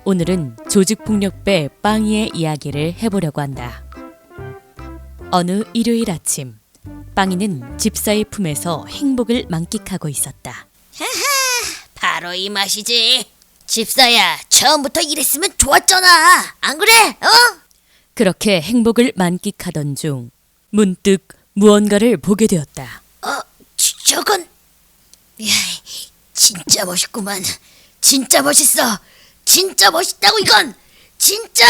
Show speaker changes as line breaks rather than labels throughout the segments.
오늘은 조직폭력배 빵이의 이야기를 해보려고 한다. 어느 일요일 아침, 빵이는 집사의 품에서 행복을 만끽하고 있었다.
바로 이 맛이지. 집사야, 처음부터 이랬으면 좋았잖아. 안 그래? 어?
그렇게 행복을 만끽하던 중 문득 무언가를 보게 되었다.
저건... 야, 진짜 멋있구만. 진짜 멋있어. 진짜 멋있다고 이건. 진짜!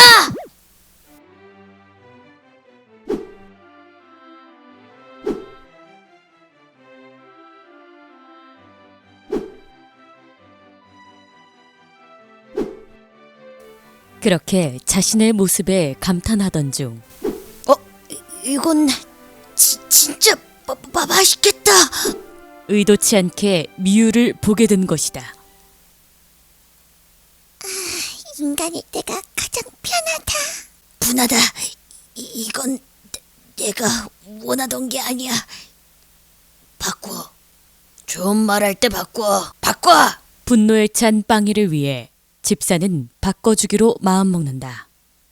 그렇게 자신의 모습에 감탄하던 중
이건 진짜 맛있겠다.
의도치 않게 미유를 보게 된 것이다.
인간일 때가 가장 편하다. 분하다. 이건 내가 원하던 게 아니야. 바꿔. 좋은 말할 때 바꿔. 바꿔!
분노에 찬 빵이를 위해 집사는 바꿔주기로 마음먹는다.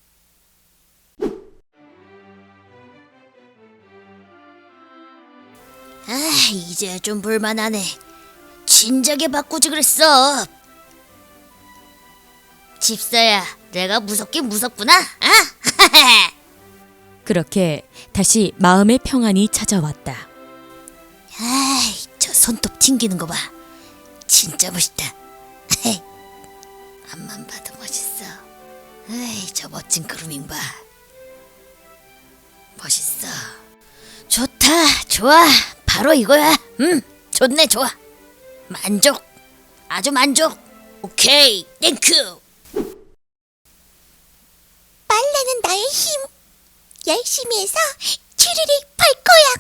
이제 좀 볼만하네. 진작에 바꾸지 그랬어. 집사야, 내가 무섭긴 무섭구나.
그렇게 다시 마음의 평안이 찾아왔다.
저 손톱 튕기는 거 봐. 진짜 멋있다. 앞만 봐도 멋있어. 저 멋진 그루밍 봐. 멋있어. 좋다, 좋아. 바로 이거야. 좋네, 좋아. 만족. 아주 만족. 오케이, 땡큐. 빨래는 나의 힘. 열심히 해서 추리릭 팔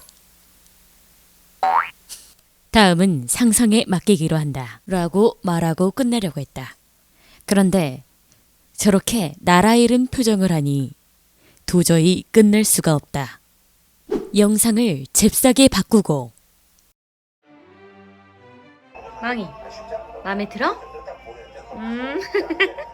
거야.
다음은 상상에 맡기기로 한다. 라고 말하고 끝내려고 했다. 그런데 저렇게 나라 잃은 표정을 하니 도저히 끝낼 수가 없다. 영상을 잽싸게 바꾸고
망이 마음에 들어?